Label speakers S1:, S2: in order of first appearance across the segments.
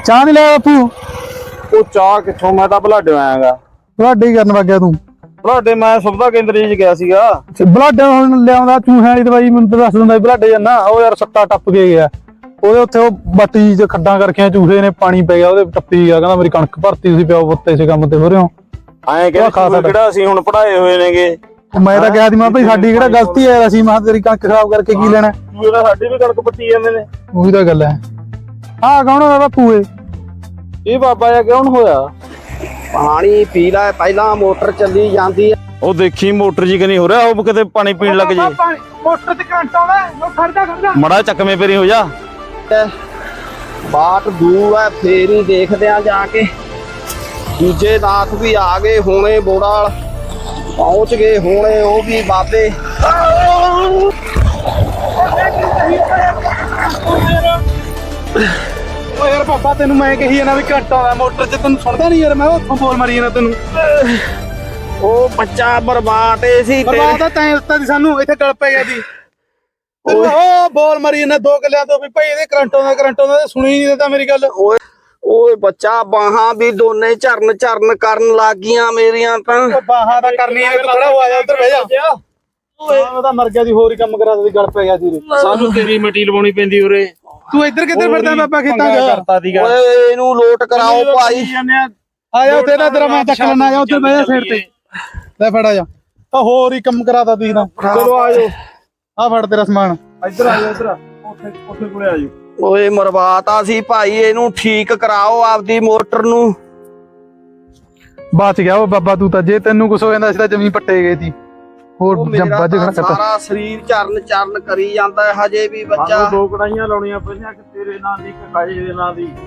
S1: ਚਾਹ ਨਹੀਂ ਲਿਆ ਬਾਪੂ?
S2: ਉਹ ਚਾਹ ਕਿੱਥੋਂ, ਮੈਂ ਤਾਂ ਬਲਾਡੇ ਆਇਆਗਾ।
S1: ਬਲਾਡੇ ਕਰਨ ਵਗਿਆ ਤੂੰ?
S2: ਬਲਾਡੇ ਮੈਂ ਸੁਵਿਧਾ ਕੇਂਦਰ ਚ ਗਿਆ ਸੀਗਾ।
S1: ਬਲਾਡੇ ਹੁਣ ਲਿਆਉਂਦਾ ਚੂਹਿਆਂ ਵਾਲੀ ਦਵਾਈ, ਮੈਨੂੰ ਤਾਂ ਦੱਸ ਦਿੰਦਾ ਬਲਾਡੇ ਜਾਨਾ। ਉਹ ਯਾਰ ਸੱਤਾ ਟੱਪ ਕੇ ਗਿਆ ਉਹਦੇ ਉੱਥੇ, ਉਹ ਬੱਟੀ ਚ ਖੱਡਾਂ ਕਰਕੇ ਚੂਹੇ ਨੇ ਪਾਣੀ ਪੈ ਗਿਆ ਉਹਦੇ, ਟੱਪੀ ਗਿਆ। ਕਹਿੰਦਾ ਮੇਰੀ ਕਣਕ ਭਰਤੀ, ਤੁਸੀਂ ਪਿਓ ਪੁੱਤ ਇਸੇ ਕੰਮ ਤੇ ਹੋ ਰਹੇ ਹੋ।
S2: ਐਂ ਕਹਿੰਦਾ ਕਿਹੜਾ ਅਸੀਂ ਹੁਣ ਪੜਾਏ ਹੋਏ ਨੇਗੇ।
S1: ਮੈਂ ਤਾਂ ਕਿਹਾ ਸੀ ਮੈਂ ਭਾਈ ਸਾਡੀ ਕਿਹੜਾ ਗਲਤੀ ਹੈ, ਅਸੀਂ ਮੈਂ ਤੇਰੀ ਕਣਕ ਖਰਾਬ ਕਰਕੇ ਕੀ ਲੈਣਾ।
S2: ਸਾਡੀ ਵੀ ਕਣਕ ਪੱਟੀ ਜਾਂਦੇ ਨੇ।
S1: ਉਹੀ ਤਾਂ ਗੱਲ ਹੈ। ਆਹ ਕੌਣ ਹੋਇਆ ਬਾਪੂ?
S2: ਇਹ ਬਾਬਾ ਜੀ ਕਿਉਂ ਹੋਇਆ?
S3: ਪਾਣੀ ਪੀ ਲੈ ਪਹਿਲਾਂ, ਮੋਟਰ ਚੱਲੀ ਜਾਂਦੀ ਹੈ।
S2: ਉਹ ਦੇਖੀ ਮੋਟਰ ਜੀ ਕਿ ਨਹੀਂ ਹੋ ਰਿਹਾ, ਉਹ ਕਿਤੇ ਪਾਣੀ ਪੀਣ ਲੱਗ ਜੇ।
S1: ਮੋਟਰ ਤੇ ਕਰੰਟ ਆਉਂਦਾ, ਉਹ ਖੜਦਾ
S2: ਮੜਾ ਚੱਕਵੇਂ ਪੇਰੀ ਹੋ ਜਾ।
S3: ਬਾਟ ਦੂਰ ਹੈ, ਫੇਰ ਹੀ ਦੇਖਦੇ ਆ ਜਾ ਕੇ। ਦੂਜੇ ਨਾਥ ਵੀ ਆ ਗਏ ਹੋਣੇ, ਬੋੜਾਲ ਪਹੁੰਚ ਗਏ ਹੋਣੇ ਉਹ ਵੀ ਬਾਬੇ।
S1: ਓ ਯਾਰ ਪਾਪਾ ਤੈਨੂੰ ਮੈਂ ਕਹੀ ਜਾਂਦਾ ਵੀ ਘੱਟ ਆਉਂਦਾ ਮੋਟਰ 'ਚ, ਤੈਨੂੰ ਸੁਣਦਾ ਨਹੀਂ ਯਾਰ? ਮੈਂ ਉੱਥੋਂ ਬੋਲ ਮਾਰੀ ਜਾਂਦਾ ਤੈਨੂੰ।
S3: ਉਹ ਬੱਚਾ ਬਰਬਾਦ ਸੀ
S1: ਬਰਬਾਦ ਤਾਂ ਤੈਂ ਦਿੱਤਾ ਸੀ ਸਾਨੂੰ, ਇੱਥੇ ਗਲ ਪੈ ਗਿਆ ਸੀ। ਉਹ ਬੋਲ ਮਾਰੀ ਜਾਂਦਾ 2 ਕਿੱਲਿਆਂ ਤੋਂ ਵੀ ਭਾਈ ਇਹਦੇ ਕਰੰਟ ਆਉਂਦਾ, ਸੁਣੀ ਨਹੀਂ ਦਿੱਤਾ ਮੇਰੀ ਗੱਲ।
S3: ਓਏ ਬੱਚਾ, ਬਾਹਾਂ ਵੀ ਦੋਨੇ ਝਰਨ ਕਰਨ ਲੱਗ ਗਈਆਂ ਮੇਰੀਆਂ ਤਾਂ।
S1: ਬਾਹਾਂ ਤਾਂ ਕਰਨੀ ਹੈ, ਤੂੰ ਖੜਾ ਹੋ ਆ ਜਾ, ਉੱਧਰ ਬਹਿ ਜਾ। ਉਹ ਤਾਂ ਮਰ ਗਿਆ ਸੀ, ਹੋਰ ਹੀ ਕੰਮ ਕਰਾ ਦਿੱਤੀ, ਗਲ ਪੈ ਗਿਆ ਸੀ।
S2: ਸਾਨੂੰ ਤੇਰੀ ਮਿੱਟੀ ਲਵਾਉਣੀ ਪੈਂਦੀ ਉਰੇ।
S1: ਤੂੰ ਇੱਧਰ ਕਿੱਧਰ ਫਿਰਦਾ ਬਾਬਾ ਖੇਤਾਂ 'ਚ?
S3: ਓਏ ਇਹਨੂੰ ਲੋਟ ਕਰਾਓ ਭਾਈ।
S1: ਆ ਜਾ ਉੱਥੇ, ਤੇਰਾ ਮੈਂ ਚੱਕ ਲੈਣਾ। ਆ ਜਾ ਉੱਥੇ ਬਹਿ ਜਾ ਸਾਈਡ ਤੇ, ਲੈ ਫੜ ਆ ਜਾ। ਆ ਹੋਰ ਹੀ ਕੰਮ ਕਰਾਤਾ ਤੁਸੀਂ ਤਾਂ।
S2: ਚਲੋ ਆ ਜਾਓ,
S1: ਆ ਫੜ ਤੇਰਾ ਸਮਾਨ।
S2: ਇੱਧਰ ਆ ਜਾ, ਇੱਧਰ ਉੱਥੇ ਕੋਲੇ ਆ ਜਾਓ।
S3: ਓਏ ਮਰਵਾਤਾ ਸੀ ਭਾਈ, ਇਹਨੂੰ ਠੀਕ ਕਰਾਓ ਆਪਦੀ ਮੋਟਰ ਨੂੰ।
S1: ਬਚ ਗਿਆ ਉਹ ਬਾਬਾ ਤੂੰ ਤਾਂ। ਜੇ ਤੈਨੂੰ ਕੁਛ ਹੋ ਜਾਂਦਾ ਸੀ ਤਾਂ ਜਮੀ ਪੱਟੇ ਗਏ ਸੀ। ਹੋਰ
S3: ਮੇਰਾ
S1: ਵੱਜ
S3: ਤਾਂ
S1: ਖੜਾ
S3: ਸਾਰਾ ਸਰੀਰ ਚਰਨ ਕਰੀ ਜਾਂਦਾ ਹੈ ਹਜੇ ਵੀ ਬੱਚਾ।
S2: 2 ਕੜਾਈਆਂ ਲਾਉਣੀਆਂ ਪਈਆਂ, ਕਿ ਤੇਰੇ ਨਾਂ ਦੀ, ਕਿ ਕਾਜੇ ਦੇ ਨਾਂ ਦੀ।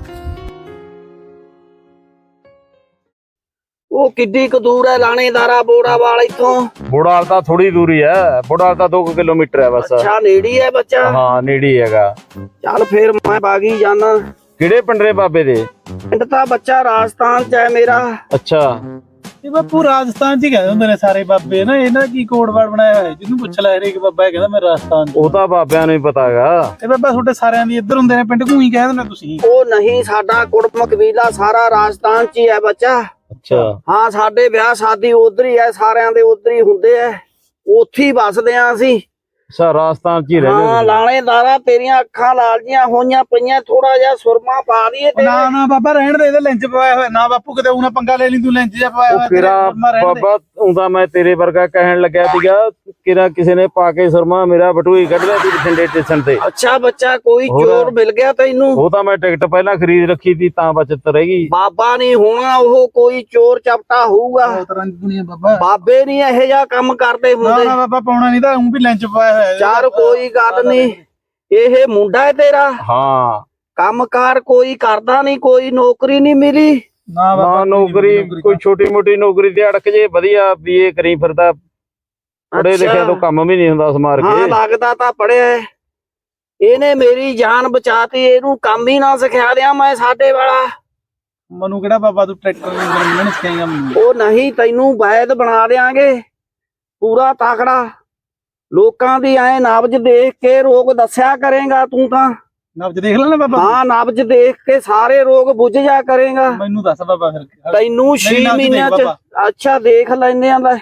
S3: ਉਹ ਕਿੱਡੀ ਕੁ ਦੂਰ ਹੈ ਲਾਣੇਦਾਰਾ ਬੋੜਾਵਾਲ ਇੱਥੋਂ?
S2: ਬੋੜਾਲ ਤਾਂ ਥੋੜੀ ਦੂਰੀ ਹੈ, ਬੋੜਾਲ ਤਾਂ 2 ਕਿਲੋਮੀਟਰ ਹੈ ਬਸ।
S3: ਅੱਛਾ ਨੇੜੀ ਹੈ ਬੱਚਾ।
S2: ਹਾਂ ਨੇੜੇ ਹੈਗਾ।
S3: ਚੱਲ ਫੇਰ ਮੈਂ ਬਾਗੀ ਜਾਣਾ।
S2: ਕਿਹੜੇ ਪਿੰਡਰੇ ਬਾਬੇ ਦੇ?
S3: ਪਿੰਡ ਤਾਂ ਬੱਚਾ ਰਾਜਸਥਾਨ ਚ ਹੈ ਮੇਰਾ।
S2: ਅੱਛਾ,
S1: ਇਹ ਬਾਪੂ ਰਾਜਸਥਾਨ 'ਚ ਹੀ ਕਹਿੰਦੇ ਹੁੰਦੇ ਨੇ ਸਾਰੇ ਬਾਬੇ ਨਾ। ਇਹਨਾਂ ਕੀ ਕੋਡ ਵਰਡ ਬਣਾਇਆ ਹੋਇਆ, ਜਿਹਨੂੰ ਪੁੱਛ ਲੈ ਹਰੇਕ ਬਾਬਾ ਇਹ ਕਹਿੰਦਾ ਮੈਂ ਰਾਜਸਥਾਨ 'ਚ।
S2: ਉਹ ਤਾਂ ਬਾਬਿਆਂ ਨੂੰ ਹੀ ਪਤਾ ਹੈਗਾ।
S1: ਇਹ ਬਾਬਾ ਤੁਹਾਡੇ ਸਾਰਿਆਂ ਦੀ ਇੱਧਰ ਹੁੰਦੇ ਨੇ ਪਿੰਡ, ਘੂਈ ਕਹਿ ਦਿੰਦੇ ਤੁਸੀਂ?
S3: ਉਹ ਨਹੀਂ, ਸਾਡਾ ਕੁੜਮ ਕਬੀਲਾ ਸਾਰਾ ਰਾਜਸਥਾਨ ਚ ਹੀ ਹੈ ਬੱਚਾ।
S2: ਅੱਛਾ,
S3: ਹਾਂ ਸਾਡੇ ਵਿਆਹ ਸ਼ਾਦੀ ਉਧਰ ਹੀ ਹੈ, ਸਾਰਿਆਂ ਦੇ ਉਧਰ ਹੀ ਹੁੰਦੇ ਆ, ਉੱਥੇ ਹੀ ਵੱਸਦੇ ਆ ਅਸੀਂ।
S2: ਅੱਛਾ ਰਾਜਸਥਾਨ ਚ ਹੀ ਰਹਿੰਦੇ
S3: ਹਾਂ ਲਾਣੇਦਾਰਾ, ਤੇਰੀਆਂ ਅੱਖਾਂ ਲਾਲ ਜੀਆਂ ਹੋਈਆਂ ਪਈਆਂ, ਥੋੜਾ ਜਿਹਾ ਸੁਰਮਾ ਪਾ ਦਈਏ ਤੇ।
S1: ਨਾ ਬਾਬਾ ਰਹਿਣ ਦੇ, ਇਹਦੇ ਲੈਂਚ ਪਵਾਇਆ ਹੋਇਆ ਨਾ ਬਾਪੂ, ਕਿਤੇ ਉਹਨਾਂ ਪੰਗਾ ਲੈ ਲਈ ਤੂੰ, ਲੈਂਚ ਜਿਹਾ ਪਵਾਇਆ ਹੋਇਆ।
S2: ਕਿਰਾ ਬਾਬਾ ਹੁੰਦਾ ਮੈਂ ਤੇਰੇ ਵਰਗਾ ਕਹਿਣ ਲੱਗਿਆ ਸੀਗਾ, ਕਿਰਾ ਕਿਸੇ ਨੇ ਪਾ ਕੇ ਸੁਰਮਾ ਮੇਰਾ ਬਟੂਈ ਕੱਢ ਲਿਆ ਸੀ ਬਠਿੰਡੇ ਸਟੇਸ਼ਨ ਤੇ।
S3: ਅੱਛਾ ਬੱਚਾ, ਕੋਈ ਚੋਰ ਮਿਲ ਗਿਆ ਤੈਨੂੰ?
S2: ਉਹ ਤਾਂ ਮੈਂ ਟਿਕਟ ਪਹਿਲਾਂ ਖਰੀਦ ਰੱਖੀ ਸੀ ਤਾਂ ਬਚਤ ਰਹਿ ਗਈ।
S3: ਬਾਬਾ ਨਹੀਂ ਹੋਣਾ ਉਹ, ਕੋਈ ਚੋਰ ਚਪਟਾ ਹੋਊਗਾ।
S1: ਬਾਬਾ
S3: ਬਾਬੇ ਨਹੀਂ ਇਹੋ ਜਿਹਾ ਕੰਮ ਕਰਦੇ ਹੁੰਦੇ।
S1: ਨਾ ਬਾਬਾ ਪਾਉਣਾ ਨਹੀਂ ਤਾਂ ਉਹ ਵੀ ਲੈਂਚ ਪਵਾਇਆ ਹੋਇਆ।
S3: ਚਾਰ ਕੋਈ ਗੱਲ ਨਹੀਂ, ਇਹ ਮੁੰਡਾ ਹੈ ਤੇਰਾ?
S2: ਹਾਂ।
S3: ਕੰਮਕਾਰ ਕੋਈ ਕਰਦਾ ਨਹੀਂ, ਕੋਈ ਨੌਕਰੀ ਨਹੀਂ ਮਿਲੀ?
S2: ਨਾ ਨੌਕਰੀ, ਕੋਈ ਛੋਟੀ ਮੋਟੀ ਨੌਕਰੀ ਤੇ ਅੜਕ ਜੇ ਵਧੀਆ ਵੀ ਇਹ ਕਰੀ ਫਿਰਦਾ। ਪੜੇ ਲਿਖਿਆ ਤੋਂ ਕੰਮ ਵੀ ਨਹੀਂ ਹੁੰਦਾ ਸਮਾਰ ਕੇ।
S3: ਹਾਂ ਲੱਗਦਾ ਤਾਂ ਪੜਿਆ। ਇਹਨੇ ਮੇਰੀ ਜਾਨ ਬਚਾਤੀ, ਇਹਨੂੰ ਕੰਮ ਹੀ ਨਾ ਸਿਖਾ ਦਿਆਂ ਮੈਂ ਸਾਡੇ ਵਾਲਾ।
S1: ਮਨੂੰ ਕਿਹੜਾ ਬਾਬਾ ਤੂੰ ਟਰੈਕਟਰ ਨਹੀਂ ਸਿਖਾਏਗਾ ਮੈਨੂੰ?
S3: ਉਹ ਨਹੀਂ, ਤੈਨੂੰ ਵੈਦ ਬਣਾ ਦਿਆਂਗੇ ਪੂਰਾ ਤਾਕੜਾ। ਲੋਕਾਂ ਦੀ ਐ ਨਬਜ ਦੇਖ ਕੇ ਰੋਗ ਦੱਸਿਆ ਕਰੇਗਾ ਤੂੰ ਤਾਂ।
S1: ਨਬਜ ਦੇਖ ਲੈਣਾ ਬਾਬਾ?
S3: ਹਾਂ ਨਬਜ ਦੇਖ ਕੇ ਸਾਰੇ ਰੋਗ ਬੁੱਝ ਜਾ ਕਰੇਗਾ।
S1: ਮੈਨੂੰ ਦੱਸ ਬਾਬਾ ਫਿਰ।
S3: ਤੈਨੂੰ 6 ਮਹੀਨਿਆਂ ਚ। ਅੱਛਾ ਦੇਖ ਲੈਂਦੇ ਆ ਲੈ।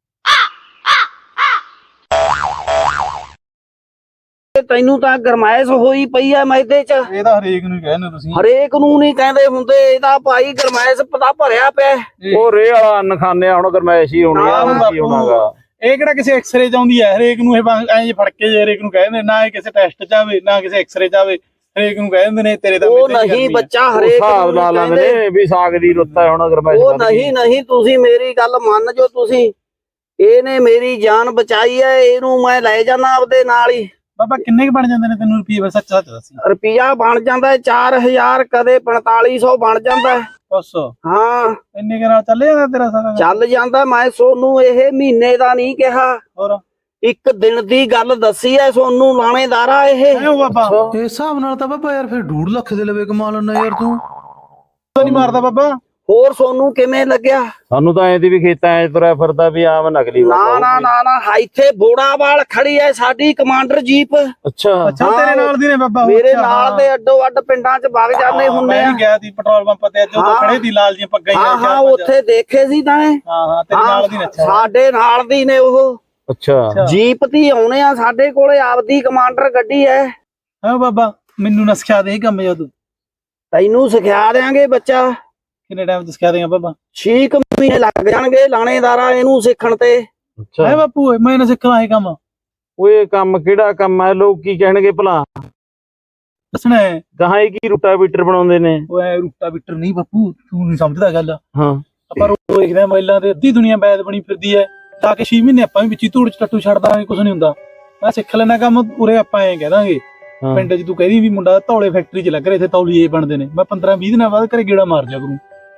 S3: ਤੈਨੂੰ ਤਾਂ ਗਰਮਾਇਸ਼ ਹੋਈ ਪਈ ਆ ਮੈਦੇ ਚ।
S1: ਇਹ ਤਾਂ ਹਰੇਕ ਨੂੰ ਕਹਿੰਦੇ ਤੁਸੀਂ।
S3: ਹਰੇਕ ਨੂੰ ਨਹੀਂ ਕਹਿੰਦੇ ਹੁੰਦੇ, ਇਹਦਾ ਭਾਈ ਗਰਮਾਇਸ਼ ਪਤਾ ਭਰਿਆ ਪਿਆ।
S2: ਉਹ ਰੇ ਵਾਲਾ ਅੰਨ ਖਾਂਦੇ ਆ, ਹੁਣ ਗਰਮੈਸ਼ ਹੀ ਹੋਣੀ ਆ। ਕੀ ਹੋਣਾਗਾ?
S1: ਇਹ ਕਿਹੜਾ ਕਿਸੇ ਐਕਸਰੇ ਚ ਆਉਂਦੀ ਹੈ? ਹਰੇਕ ਨੂੰ ਇਹ ਐਂ ਫੜ ਕੇ ਜੇ ਹਰੇਕ ਨੂੰ ਕਹਿੰਦੇ, ਨਾ ਇਹ ਕਿਸੇ ਟੈਸਟ ਚ ਆਵੇ ਨਾ ਕਿਸੇ ਐਕਸਰੇ ਚ ਆਵੇ, ਹਰੇਕ ਨੂੰ ਕਹਿੰਦੇ ਨੇ ਤੇਰੇ ਦਾ।
S3: ਉਹ ਨਹੀਂ ਬੱਚਾ, ਹਰੇਕ
S2: ਹਿਸਾਬ ਲਾ ਲੈਂਦੇ ਨੇ ਵੀ ਸਾਗ ਦੀ ਰੁੱਤ ਹੈ ਹੁਣ ਗਰਮੈਸ਼।
S3: ਉਹ ਨਹੀਂ, ਤੁਸੀਂ ਮੇਰੀ ਗੱਲ ਮੰਨ ਜੋ। ਤੁਸੀਂ ਇਹਨੇ ਮੇਰੀ ਜਾਨ ਬਚਾਈ ਹੈ, ਇਹਨੂੰ ਮੈਂ ਲੈ ਜਾਣਾ ਆਪਦੇ ਨਾਲ ਹੀ।
S1: ਬਾਬਾ ਕਿੰਨੇ ਕੁ ਬਣ ਜਾਂਦੇ ਨੇ ਤੈਨੂੰ ਰੁਪਈਏ? ਸੱਚ ਦੱਸੀ।
S3: ਰੁਪਿਆ ਬਣ ਜਾਂਦਾ 4000, ਕਦੇ 4500 ਬਣ ਜਾਂਦਾ।
S1: ਬਸ
S3: ਹਾਂ
S1: ਇੰਨੇ ਕੁ ਨਾਲ ਚੱਲ ਜਾਂਦਾ ਤੇਰਾ ਸਾਰਾ?
S3: ਚੱਲ ਜਾਂਦਾ। ਮੈਂ ਸੋਨੂੰ ਇਹ ਮਹੀਨੇ ਦਾ ਨਹੀਂ ਕਿਹਾ,
S1: ਹੋਰ
S3: ਇੱਕ ਦਿਨ ਦੀ ਗੱਲ ਦੱਸੀ ਐ ਸੋਨੂੰ ਲਾਣੇਦਾਰਾ। ਇਹ
S1: ਬਾਬਾ
S4: ਇਸ ਹਿਸਾਬ ਨਾਲ ਤਾਂ ਬਾਬਾ ਯਾਰ ਫਿਰ 2.5 ਲੱਖ ਦੇ ਲਵੇ ਕਮਾ ਲੈਣਾ ਯਾਰ ਤੂੰ।
S1: ਨਹੀਂ ਮਾਰਦਾ ਬਾਬਾ?
S3: ਹੋਰ ਸੋਨੂੰ ਕਿਵੇਂ ਲੱਗਿਆ?
S2: ਸਾਨੂੰ ਤਾਂ ਐਂ ਦੀ ਵੀ ਖੇਤਾਂ ਐ ਤੁਰਿਆ ਫਿਰਦਾ ਵੀ ਆਮ ਨਕਲੀ
S3: ਨਾ
S2: ਬਾਬਾ
S3: ਨਾ ਨਾ ਨਾ ਇੱਥੇ ਬੋੜਾਵਾਲ ਖੜੀ ਐ ਸਾਡੀ ਕਮਾਂਡਰ ਜੀਪ।
S2: ਅੱਛਾ
S1: ਅੱਛਾ ਤੇਰੇ ਨਾਲ ਦੀ ਨੇ ਬਾਬਾ
S3: ਮੇਰੇ ਨਾਲ ਦੇ ਅੱਡੋ ਅੱਡ ਪਿੰਡਾਂ 'ਚ ਵਗ ਜਾਂਦੇ ਹੁੰਦੇ ਆ।
S1: ਮੈਂ ਗਿਆ ਸੀ ਪੈਟਰੋਲ ਪੰਪ ਤੇ ਅੱਜ ਉਦੋਂ ਖੜੇ ਦੀ ਲਾਲ ਜੀ ਪੱਗਾਂ
S3: ਹਾਂ ਹਾਂ ਉੱਥੇ ਦੇਖੇ ਸੀ ਤਾਂ
S1: ਹਾਂ ਤੇਰੇ ਨਾਲ ਦੀ ਨੱਚਾ
S3: ਸਾਡੇ ਨਾਲ ਦੀ ਨੇ ਉਹ
S2: ਅੱਛਾ
S3: ਜੀਪ ਦੀ ਆਉਣੇ ਆ ਸਾਡੇ ਕੋਲੇ ਆਪਦੀ ਕਮਾਂਡਰ ਗੱਡੀ ਐ।
S1: ਹਾਂ ਬਾਬਾ ਮੈਨੂੰ ਨਾ ਸਿਖਾ ਦੇ ਇਹ ਕੰਮ ਜਦੋਂ
S3: ਤੈਨੂੰ ਸਿਖਾ ਦੇਾਂਗੇ ਬੱਚਾ।
S1: ਕਿੰਨੇ ਟਾਈਮ ਤੋਂ ਸਿਖਾ ਦੇਗਾ ਬਾਬਾ?
S3: 6 ਮਹੀਨੇ ਲੱਗ ਜਾਣਗੇ ਲਾਣੇਦਾਰਾ ਇਹਨੂੰ ਸਿੱਖਣ ਤੇ।
S2: ਅੱਛਾ
S1: ਹੈ ਬਾਪੂ ਮੈਂ ਨਾ ਸਿੱਖਣਾ ਇਹ ਕੰਮ।
S2: ਓਏ ਕੰਮ ਕਿਹੜਾ ਕੰਮ ਹੈ? ਲੋਕ ਕੀ ਕਹਿਣਗੇ ਭਲਾ?
S1: ਦੱਸਣਾ ਹੈ
S2: ਗਾਹਾਂ ਕੀ ਰੂਟਾਵੀਟਰ ਬਣਾਉਂਦੇ ਨੇ?
S1: ਓਏ ਰੂਟਾਵੀਟਰ ਨਹੀਂ ਬਾਪੂ ਤੂੰ ਨਹੀਂ ਸਮਝਦਾ ਗੱਲ।
S2: ਹਾਂ
S1: ਆਪਾਂ ਰੋਜ਼ ਦੇਖਦੇ ਆ ਮਹਿਲਾਂ ਤੇ ਅੱਧੀ ਦੁਨੀਆ ਬੈਦ ਬਣੀ ਫਿਰਦੀ ਹੈ ਤਾਂ ਕਿ 6 ਮਹੀਨੇ ਆਪਾਂ ਵੀ ਵਿੱਚ ਹੀ ਧੂੜ ਚ ਟੱਟੂ ਛੱਡ ਦਾਂਗੇ ਕੁਝ ਨਹੀਂ ਹੁੰਦਾ। ਮੈਂ ਸਿੱਖ ਲੈਣਾ ਕੰਮ ਉਰੇ ਆਪਾਂ ਐਂ ਕਹਿ ਦਾਂਗੇ ਪਿੰਡ 'ਚ ਤੂੰ ਕਹਿੰਦੀ ਵੀ ਮੁੰਡਾ ਧੌਲੇ ਫੈਕਟਰੀ 'ਚ ਲੱਗ ਰਿਹਾ ਇੱਥੇ ਤੌਲੀਏ ਬਣਦੇ ਨੇ ਮੈਂ 15-20 ਦਿਨਾਂ ਬਾਅਦ ਘਰੇ ਗੇੜਾ ਮਾਰ ਜਾ ਕਰੂੰ।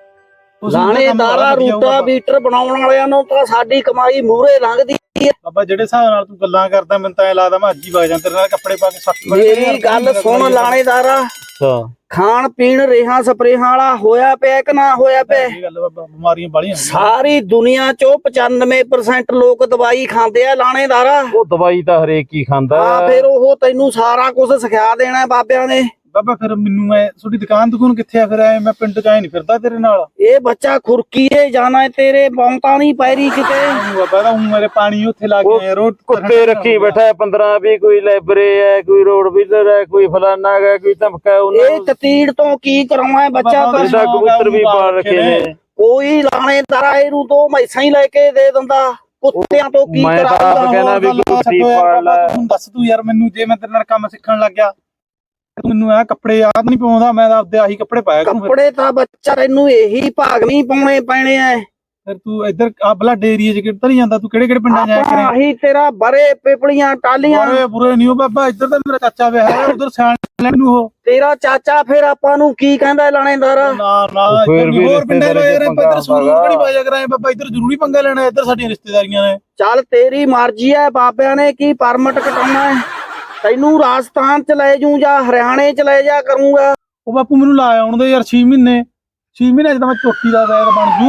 S3: ਲਾਣੇਦਾਰਾ ਰੂਟਾਵੀਟਰ ਬਣਾਉਣ ਵਾਲਿਆਂ ਨੂੰ ਤਾਂ ਸਾਡੀ ਕਮਾਈ ਮੂਹਰੇ ਲੰਘਦੀ ਹੈ।
S1: ਬਾਬਾ ਜਿਹੜੇ ਹਿਸਾਬ ਨਾਲ ਤੂੰ ਗੱਲਾਂ ਕਰਦਾ ਮੈਨੂੰ ਤਾਂ ਐ ਲੱਗਦਾ ਮੈਂ ਅੱਜ ਹੀ ਵਗ ਜਾਂ ਤੇਰੇ ਨਾਲ ਕੱਪੜੇ ਪਾ ਕੇ ਸੱਟ
S3: ਮੇਰੀ ਗੱਲ ਸੁਣ ਲਾਣੇਦਾਰਾ
S2: ਅੱਛਾ
S3: ਖਾਣ ਪੀਣ ਰੇਹਾਂ ਸਪਰੇਹਾਂ ਵਾਲਾ ਹੋਇਆ ਪਿਆ ਕਿ ਨਾ ਹੋਇਆ ਪਿਆ?
S1: ਇਹ ਗੱਲ ਬਾਬਾ ਬਿਮਾਰੀਆਂ ਬਾਲੀਆਂ
S3: ਸਾਰੀ ਦੁਨੀਆ ਚੋਂ 95% ਲੋਕ ਦਵਾਈ ਖਾਂਦੇ ਆ ਲਾਣੇਦਾਰਾ।
S2: ਉਹ ਦਵਾਈ ਤਾਂ ਹਰੇਕ ਹੀ ਖਾਂਦਾ
S3: ਹਾਂ ਫਿਰ ਉਹ ਤੈਨੂੰ ਸਾਰਾ ਕੁਝ ਸਿਖਾ ਦੇਣਾ ਬਾਬਿਆਂ ਨੇ।
S1: ਬਾਬਾ ਫਿਰ ਮੈਨੂੰ ਮੈਂ ਤੁਹਾਡੀ ਦੁਕਾਨ ਕਿੱਥੇ ਆ? ਫਿਰ ਐ ਮੈਂ ਪਿੰਡ 'ਚ ਆਏ ਨਹੀਂ ਫਿਰਦਾ ਤੇਰੇ ਨਾਲ।
S3: ਇਹ ਬੱਚਾ ਖੁਰਕੀਏ ਜਾਣਾ ਤੇਰੇ ਬੌਂਤਾ ਨਹੀਂ ਪੈਰੀ ਕਿਤੇ।
S1: ਬਾਬਾ ਦਾ ਮੇਰੇ ਪਾਣੀ ਉੱਥੇ ਲਾ ਕੇ ਆਇਆ ਰੋਡ
S2: ਕੁੱਤੇ ਰੱਖੀ ਬੈਠਾ 15-20 ਕੋਈ ਲਾਇਬਰੇ ਹੈ ਕੋਈ ਰੋਡ ਵੀਲਰ ਹੈ ਕੋਈ ਫਲਾਨਾ ਹੈ ਕੋਈ ਧਮਕਾ
S3: ਇਹ ਤਤੀੜ ਤੋਂ ਕੀ ਕਰਾਉਣਾ ਬੱਚਾ?
S2: ਇਹਦਾ ਕਬੂਤਰ ਵੀ ਪਾਲ ਰੱਖੇ ਨੇ।
S3: ਕੋਈ ਲਾਣੇਦਾਰਾ ਇਹਨੂੰ ਤੋਂ ਮੈਸਾਂ ਹੀ ਲੈ ਕੇ ਦੇ ਦਿੰਦਾ। ਕੁੱਤਿਆਂ ਤੋਂ ਕੀ
S2: ਮੈਂ ਤਾਂ ਆਪ ਕਹਿਣਾ ਵੀ ਕੁੱਤੀ ਪਾਲ ਲੈ।
S1: ਤੂੰ ਦੱਸ ਤੂੰ ਯਾਰ ਮੈਨੂੰ ਜੇ ਮੈਂ ਤੇਰੇ ਨਾਲ ਕੰਮ ਸਿੱਖਣ ਲੱਗ ਗਿਆ ਤੂੰ ਮੈਨੂੰ ਇਹ ਕੱਪੜੇ ਯਾਦ ਨਹੀਂ ਪਾਉਂਦਾ ਮੈਂ ਤਾਂ ਆਪਦੇ ਆਹੀ ਕੱਪੜੇ ਪਾਇਆ ਕਰੂੰ।
S3: ਕੱਪੜੇ ਤਾਂ ਬੱਚਾ ਤੈਨੂੰ ਇਹੀ ਭਾਗਵੀਂ ਪਾਉਣੇ ਪੈਣੇ ਐ।
S1: ਫਿਰ ਤੂੰ ਇੱਧਰ ਆ ਬਲੱਡ ਏਰੀਆ 'ਚ ਕਿੱਧਰ ਨਹੀਂ ਜਾਂਦਾ? ਤੂੰ ਕਿਹੜੇ ਪਿੰਡਾਂ 'ਚ ਆਇਆ ਕਰੇ?
S3: ਆਹੀ ਤੇਰਾ ਬਰੇ ਪਿਪਲੀਆਂ ਟਾਲੀਆਂ।
S1: ਬੁਰੇ ਬੁਰੇ ਨਹੀਂ ਹੋ ਬਾਬਾ ਇੱਧਰ ਤਾਂ ਮੇਰਾ ਚਾਚਾ ਵਿਆਹ ਹੈ ਉਧਰ ਸਿਆਣ ਲੈਣ ਨੂੰ ਉਹ।
S3: ਤੇਰਾ ਚਾਚਾ ਫਿਰ ਆਪਾਂ ਨੂੰ ਕੀ ਕਹਿੰਦਾ ਲਾਣੇਦਾਰਾ?
S1: ਨਾ ਨਾ ਹੋਰ ਪਿੰਡਾਂ 'ਚ ਇੱਧਰ ਸੂਰੂ ਕਿਹੜੀ ਬਾਜਾ ਕਰਾਏ ਬਾਬਾ? ਇੱਧਰ ਜ਼ਰੂਰੀ ਪੰਗਾ ਲੈਣਾ ਇੱਧਰ ਸਾਡੀਆਂ ਰਿਸ਼ਤੇਦਾਰੀਆਂ ਨੇ।
S3: ਚੱਲ ਤੇਰੀ ਮਰਜ਼ੀ ਐ ਬਾਬਿਆਂ ਨੇ ਕੀ ਪਰਮਿਟ ਕਟਾਉਣਾ ਹੈ। ਤੈਨੂੰ ਰਾਜਸਥਾਨ ਚ ਲੈ ਜੂ ਜਾਂ ਹਰਿਆਣੇ ਚ ਲੈ ਜਾ ਕਰੂੰਗਾ।
S1: ਉਹ ਬਾਪੂ ਮੈਨੂੰ ਲਾ ਆਉਣ ਦੇ ਯਾਰ 6 ਮਹੀਨੇ 6 ਮਹੀਨੇ 'ਚ ਤਾਂ ਮੈਂ ਚੋਟੀ ਦਾ ਵੈਦ ਬਣ ਜੂ।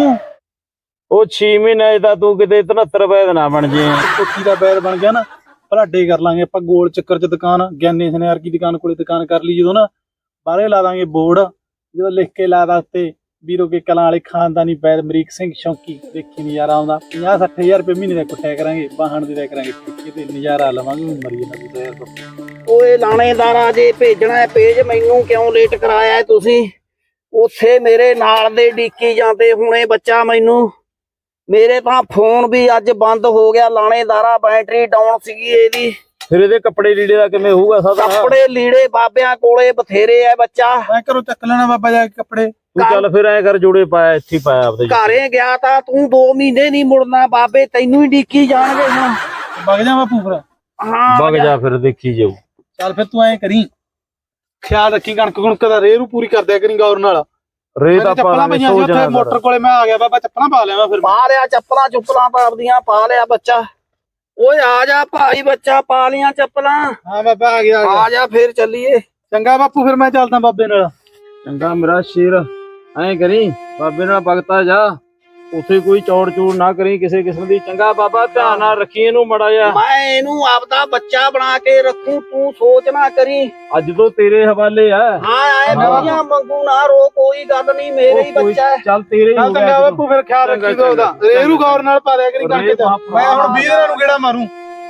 S2: ਉਹ 6 ਮਹੀਨੇ ਦਾ ਤੂੰ ਕਿਤੇ 73 ਵੈਦ ਨਾ ਬਣ ਜੇ।
S1: ਚੋਟੀ ਦਾ ਵੈਦ ਬਣ ਗਿਆ ਨਾ ਭਲਾਡੇ ਕਰ ਲਾਂਗੇ ਆਪਾਂ ਗੋਲ ਚੱਕਰ 'ਚ ਦੁਕਾਨ ਗਿਆਨੀ ਸਨਿਆਰ ਕੀ ਦੁਕਾਨ ਕੋਲੇ ਦੁਕਾਨ ਕਰ ਲਈ ਜਦੋਂ ਨਾ ਬਾਹਰੇ ਲਾ ਦਾਂਗੇ ਬੋਰਡ ਜਦੋਂ ਲਿਖ ਕੇ ਲਾਦਾ ਉੱਤੇ ਵੀਰੋ ਕੇ ਕਲਾਂ ਵਾਲੇ ਖਾਨਦਾਨੀ ਵੈਦ ਅਮਰੀਕ ਸਿੰਘ ਸ਼ੌਂਕੀ ਦੇਖੀ ਨਜ਼ਾਰਾ ਆਉਂਦਾ 50-60 ਰੁਪਏ ਮਹੀਨੇ ਦਾ ਕੁੱਟਿਆ ਕਰਾਂਗੇ ਬਾਹਣ ਦੇ ਦਿਆ ਕਰਾਂਗੇ ਠੇਕੇ ਤੇ ਨਜ਼ਾਰਾ ਲਵਾਂਗੇ ਮਰੀ ਜਾਂਦਾ।
S3: ਓਏ ਲਾਣੇਦਾਰਾ ਜੇ ਭੇਜਣਾ ਹੈ ਭੇਜ ਮੈਨੂੰ ਕਿਉਂ ਲੇਟ ਕਰਾਇਆ ਤੁਸੀਂ? ਉੱਥੇ ਮੇਰੇ ਨਾਲ ਦੇ ਡੀਕੀ ਜਾਂਦੇ ਹੁਣੇ ਬੱਚਾ ਮੈਨੂੰ। ਮੇਰੇ ਤਾਂ ਫੋਨ ਵੀ ਅੱਜ ਬੰਦ ਹੋ ਗਿਆ ਲਾਣੇਦਾਰਾ ਬੈਟਰੀ ਡਾਊਨ ਸੀਗੀ ਇਹਦੀ।
S2: ਫਿਰ ਇਹਦੇ ਕੱਪੜੇ ਲੀੜੇ ਦਾ ਕਿਵੇਂ ਹੋਊਗਾ ਸਾਦਾ?
S3: ਕੱਪੜੇ ਲੀੜੇ ਬਾਬਿਆਂ ਕੋਲੇ ਬਥੇਰੇ ਐ ਬੱਚਾ।
S1: ਮੈਂ ਘਰੋਂ ਚੱਕ ਲੈਣਾ ਬਾਬਾ ਜਾ ਕੇ ਕੱਪੜੇ।
S2: ਤੂੰ ਚੱਲ ਫਿਰ ਐ ਕਰ ਜੋੜੇ ਪਾਇਆ ਇੱਥੇ ਪਾਇਆ ਆਪਦੇ
S3: ਘਰੇ ਗਿਆ ਤਾਂ ਤੂੰ 2 ਮਹੀਨੇ ਨਹੀਂ ਮੁੜਨਾ ਬਾਬੇ ਤੈਨੂੰ ਹੀ ਡੀਕੀ ਜਾਣਗੇ ਹੁਣ।
S1: ਵਗ ਜਾ ਬਾਪੂ ਫਿਰ।
S3: ਹਾਂ
S2: ਵਗ ਜਾ ਫਿਰ ਦੇਖੀ ਜਾਊ।
S1: ਚੱਲ ਫਿਰ ਤੂੰ ਐਂ ਕਰੀ ਖਿਆਲ ਰੱਖੀ ਕਣਕ ਦਾ ਰੇਰੂ ਪੂਰੀ ਕਰ ਦਿਆ ਕਰੀ ਗੌਰ ਨਾਲ।
S2: ਰੇ ਤਾਂ
S1: ਚੱਪਲਾਂ ਪਈਆਂ ਸੀ ਉੱਥੇ ਮੋਟਰ ਕੋਲੇ ਮੈਂ ਆ ਗਿਆ ਬਾਬਾ ਚੱਪਲਾਂ ਪਾ ਲਿਆ ਫਿਰ।
S3: ਪਾ ਲਿਆ ਚੱਪਲਾਂ ਚੁੱਪਲਾਂ ਤਾਂ ਆਪਦੀਆਂ ਪਾ ਲਿਆ ਬੱਚਾ। ਓਏ ਆ ਜਾ ਭਾਈ ਬੱਚਾ ਪਾ ਲੀਆਂ ਚੱਪਲਾਂ।
S1: ਹਾਂ ਬਾਬਾ ਆ ਗਿਆ
S3: ਆ ਜਾ ਫਿਰ ਚੱਲੀਏ।
S1: ਚੰਗਾ ਬਾਪੂ ਫਿਰ ਮੈਂ ਚੱਲਦਾ ਬਾਬੇ ਨਾਲ।
S2: ਚੰਗਾ ਮੇਰਾ ਸ਼ੇਰ ਐਂ ਕਰੀ ਬਾਬੇ ਨਾਲ ਭਗਤਾ ਜਾ ਉੱਥੇ ਕੋਈ ਚੌੜ ਚੂੜ ਨਾ ਕਰੀ ਕਿਸੇ ਕਿਸਮ ਦੀ। ਚੰਗਾ ਬਾਬਾ ਧਿਆਨ ਨਾਲ ਰੱਖੀ ਇਹਨੂੰ ਮੜਾ ਜਾ।
S3: ਮੈਂ ਇਹਨੂੰ ਆਪਦਾ ਬੱਚਾ ਬਣਾ ਕੇ ਰੱਖੂ ਤੂੰ ਸੋਚ ਨਾ ਕਰੀ।
S2: ਅੱਜ ਤੋਂ ਤੇਰੇ ਹਵਾਲੇ ਆ।
S3: ਹਾਂ ਆਏ ਦੁਨੀਆ ਮੰਗੂ ਨਾ ਰੋ ਕੋਈ ਗੱਲ ਨਹੀਂ ਮੇਰੇ ਹੀ ਬੱਚਾ ਹੈ।
S2: ਚੱਲ ਤੇਰੇ ਹੀ ਹੋ ਗਿਆ।
S1: ਚੰਗਾ ਬਾਪੂ ਫਿਰ ਖਿਆਲ ਰੱਖੀ ਤੂੰ ਉਹਦਾ ਰੇਰੂ ਗੌਰ ਨਾਲ ਪਾ ਲਿਆ ਕਰੀ ਕਣਕ ਚ। ਮੈਂ ਹੁਣ 20 ਦਿਨਾਂ ਨੂੰ ਗੇੜਾ ਮਾਰੂ।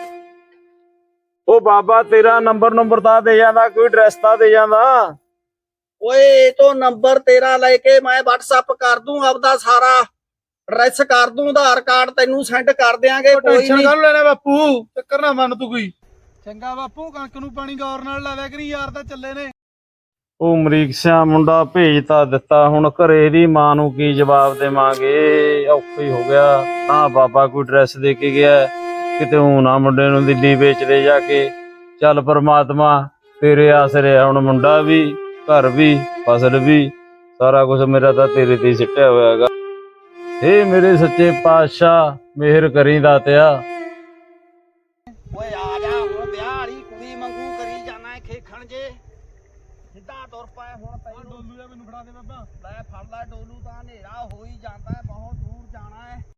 S2: ਉਹ ਬਾਬਾ ਤੇਰਾ ਨੰਬਰ ਤਾਂ ਦੇ ਜਾਂਦਾ ਕੋਈ ਐਡਰੈਸ ਤਾਂ ਦੇ ਜਾਂਦਾ।
S3: ਓਏ ਇਹ ਤੋਂ ਨੰਬਰ ਤੇਰਾ ਲੈ ਕੇ ਮੈਂ WhatsApp ਕਰ ਦੂੰ ਆਪਦਾ ਸਾਰਾ ਐਡਰੈਸ ਕਰ ਦੂੰ ਆਧਾਰ ਕਾਰਡ ਤੈਨੂੰ ਸੈਂਡ ਕਰ ਦਿਆਂਗੇ। ਕੋਈ
S1: ਟੈਨਸ਼ਨ
S3: ਨਹੀਂ
S1: ਕਰ ਲੈਣਾ ਬਾਪੂ ਚੱਕਰ ਨਾ ਮੰਨ ਤੂੰ ਕੋਈ। ਚੰਗਾ ਬਾਪੂ ਕਣਕ ਨੂੰ ਪਾਣੀ ਗੌਰ ਨਾਲ ਲਾ ਦਿਆ ਕਰੀ ਯਾਰ ਤਾਂ ਚੱਲੇ ਨੇ।
S2: ਉਹ ਅਮਰੀਕ ਸਿਆ ਮੁੰਡਾ ਭੇਜ ਤਾਂ ਦਿੱਤਾ ਹੁਣ ਘਰੇ ਦੀ ਮਾਂ ਨੂੰ ਕੀ ਜਵਾਬ ਦੇਵਾਂਗੇ? ਔਖਾ ਹੀ ਹੋ ਗਿਆ। ਨਾ ਬਾਬਾ ਕੋਈ ਐਡਰੈਸ ਦੇ ਕੇ ਗਿਆ ਕਿਤੇ ਉਹ ਨਾ ਮੁੰਡੇ ਨੂੰ ਦਿੱਲੀ ਵੇਚ ਦੇ ਜਾ ਕੇ। ਚੱਲ ਪਰਮਾਤਮਾ ਤੇਰੇ ਆਸਰੇ ਹੁਣ ਮੁੰਡਾ ਵੀ ਘਰ ਵੀ ਫਸਲ ਵੀ ਸਾਰਾ ਕੁਝ ਮੇਰਾ ਤਾਂ ਤੇਰੇ ਤੇ ਸਿੱਟਿਆ ਹੋਇਆ ਹੈਗਾ। ਏ ਮੇਰੇ ਸੱਚੇ ਪਾਤਸ਼ਾਹ ਮਿਹਰ ਕਰੀ ਦਾਤਿਆ।
S3: ਓਏ ਆ ਜਾ ਹੁਣ ਵਿਆਹ ਵਾਲੀ ਕੁੜੀ ਮੰਗੂ ਕਰੀ ਜਾਣਾ ਖੇਖਣ ਜੇ। ਸਿੱਧਾ ਤੁਰ ਪਏ ਹੁਣ ਤੈਨੂੰ
S1: ਡੋਲੂ ਜਾ ਮੈਨੂੰ ਫੜਾ ਦੇ ਬਾਬਾ।
S3: ਲੈ ਫੜ ਲੈ ਡੋਲੂ ਤਾਂ ਹਨੇਰਾ ਹੋ ਹੀ ਜਾਂਦਾ ਹੈ, ਬਹੁਤ ਦੂਰ ਜਾਣਾ ਹੈ।